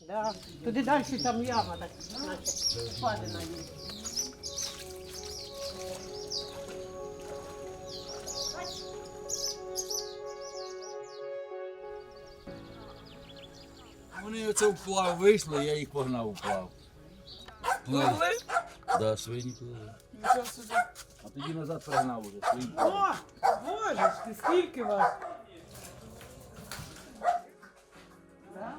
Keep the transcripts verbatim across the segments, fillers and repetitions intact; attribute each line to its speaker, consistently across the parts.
Speaker 1: Да. Туди далі там яма, так, наче впадина є.
Speaker 2: Вони оце вплав вийшли, я їх погнав вплав.
Speaker 3: Пливли?
Speaker 2: Да, свині пливли.
Speaker 3: Нічого собі.
Speaker 2: А тоді назад перегнав уже свині.
Speaker 3: О, боже ж ти, скільки вас? Да?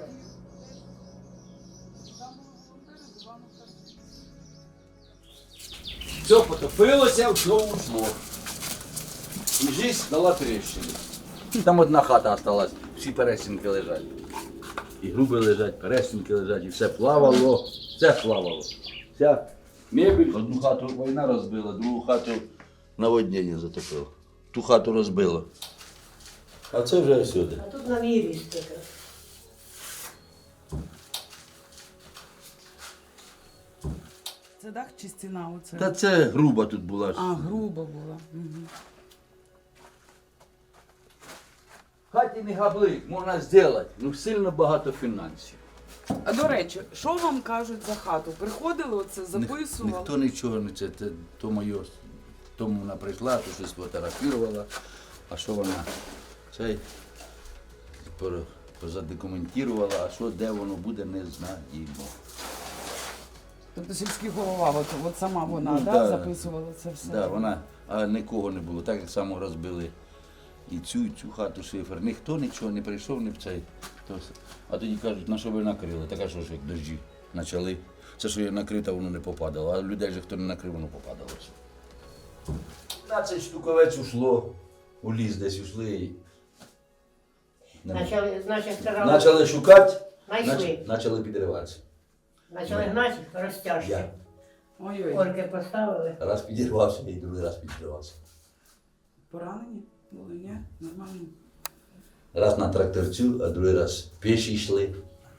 Speaker 2: Все потопилося, все ушло. І жизнь дала тріщину. Там одна хата осталась, всі пересінки лежать. І груби лежать, пересінки лежать, і все плавало, все плавало. Вся мебель, одну хату війна розбила, другу хату наводнення затопило. Ту хату розбило. А це вже всюди.
Speaker 1: А тут на мірі таке.
Speaker 3: Це дах чи стіна оце?
Speaker 2: Та це груба тут була.
Speaker 3: А, грубо була. Угу.
Speaker 2: В хаті не габлик, можна зробити, ну сильно багато фінансів.
Speaker 3: А до речі, що вам кажуть за хату? Приходили оце, записували?
Speaker 2: Ні, ніхто нічого не це, це то моє, тому вона прийшла, то щось фотографувала, а що вона цей пор- позадокументувала, а що де воно буде, не знаємо.
Speaker 3: Тобто сільський голова, от, от сама вона,
Speaker 2: Ну,
Speaker 3: да,
Speaker 2: да.
Speaker 3: записувала це все?
Speaker 2: Да, вона, а нікого не було, так само розбили і цю, і цю хату шифер. Ніхто нічого не прийшов, не в цей. То, а тоді кажуть, на що ви накрили? Така що ж як дощі почали. Це, що я накрив, та воно не попадало, а людей же хто не накрив, воно попадало. двадцять штуковець ушло, у ліс десь ушли. І...
Speaker 1: Начали, значить, старали.
Speaker 2: Почали шукати,
Speaker 1: Знайшли.
Speaker 2: почали підриватися.
Speaker 1: Почали гнати розтяжки.
Speaker 2: Я
Speaker 3: Ой-ой,
Speaker 1: Орки поставили.
Speaker 2: раз підірвався і другий раз підірвався.
Speaker 3: поранені були, ні? Нормально.
Speaker 2: Раз на тракторцю, а другий раз піші йшли.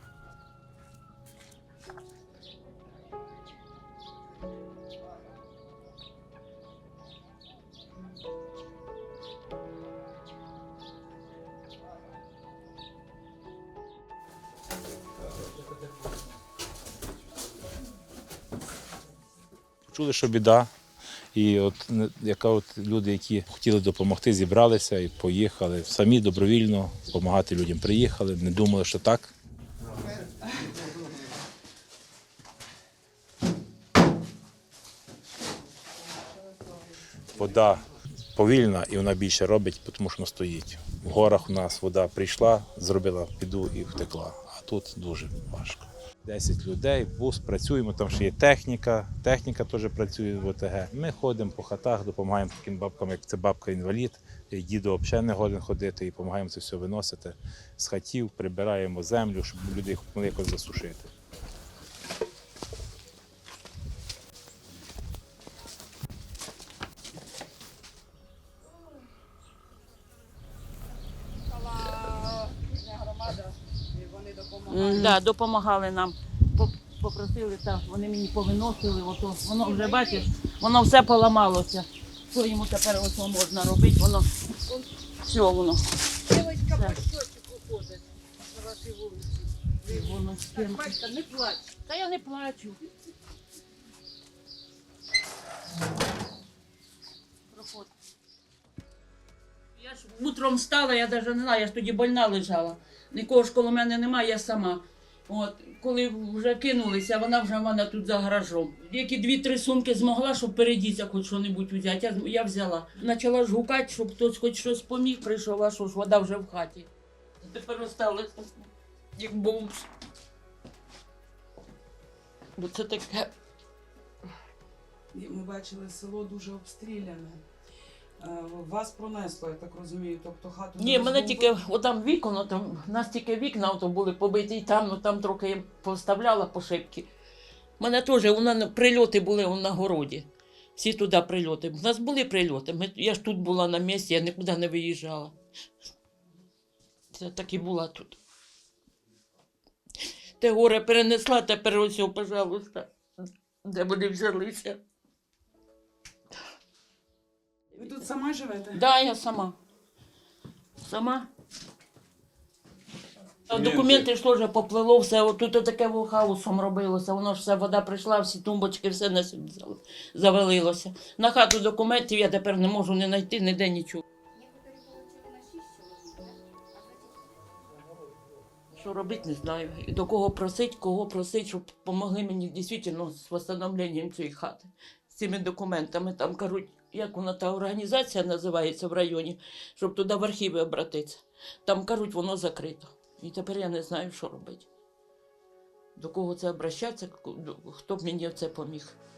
Speaker 4: Чули, що біда. І от не- яка от люди, які хотіли допомогти, зібралися і поїхали. Самі добровільно допомагати людям приїхали, не думали, що так. Вода повільна і вона більше робить, тому що вона стоїть. В горах у нас вода прийшла, зробила піду і втекла. А тут дуже важко. десять людей, бус, працюємо, там ще є техніка, техніка теж працює в ОТГ. Ми ходимо по хатах, допомагаємо таким бабкам, як це бабка-інвалід, і діду взагалі не годен ходити, і допомагаємо це все виносити з хатів, прибираємо землю, щоб люди могли якось засушити.
Speaker 5: Так, да, допомагали нам. Поп- Попросили, так, вони мені повиносили, ото, воно вже, бачиш, воно все поламалося. Що йому тепер ото можна робити, воно, все воно.
Speaker 1: Дівчинка
Speaker 5: Так.
Speaker 1: по щочику ходить на вашій вулиці.
Speaker 5: Воно стін-
Speaker 1: Батька, не плач.
Speaker 5: Та я не плачу. Проходь. Я ж утром встала, я навіть не знаю, я ж тоді больна лежала. Нікого ж коло мене немає, я сама. От, коли вже кинулися, вона вже в мене тут за гаражом. Які дві-три сумки змогла, щоб передіться хоч що-небудь взяти, я, я взяла. Почала ж гукати, щоб хтось хоч щось поміг, прийшов, а що ж, вода вже в хаті. Тепер осталось як бомж. Бо це таке.
Speaker 3: І ми бачили, село дуже обстріляне. Е, Вас пронесло, я так розумію, тобто хату...
Speaker 5: Ні,
Speaker 3: не
Speaker 5: мене
Speaker 3: розбомбили?
Speaker 5: тільки отам вікно, там, у нас тільки вікна ото були побиті, і там, ну там трохи я поставляла по шибки. У мене теж у мене прильоти були на городі. Всі туди прильоти. У нас були прильоти. Ми, я ж тут була на місці, я нікуди не виїжджала. Це так і була тут. Те горе перенесла, тепер ось, о, пожалуйста, де вони взялися.
Speaker 3: Ви тут сама живете?
Speaker 5: Так, да, я сама. Сама. А документи ж теж поплило, все, отут таке хаосом робилося, воно ж все, вода прийшла, всі тумбочки, все на сюди зав- завалилося. На хату документів я тепер не можу не знайти, ніде нічого. Що робити, не знаю. І до кого просить, кого просить, щоб допомогли мені дійсно з встановленням цієї хати, з цими документами. Там кажуть, як вона та організація називається в районі, щоб туди в архіви обратитися. Там кажуть, воно закрито. І тепер я не знаю, що робити. До кого це обращатися, хто б мені в це поміг.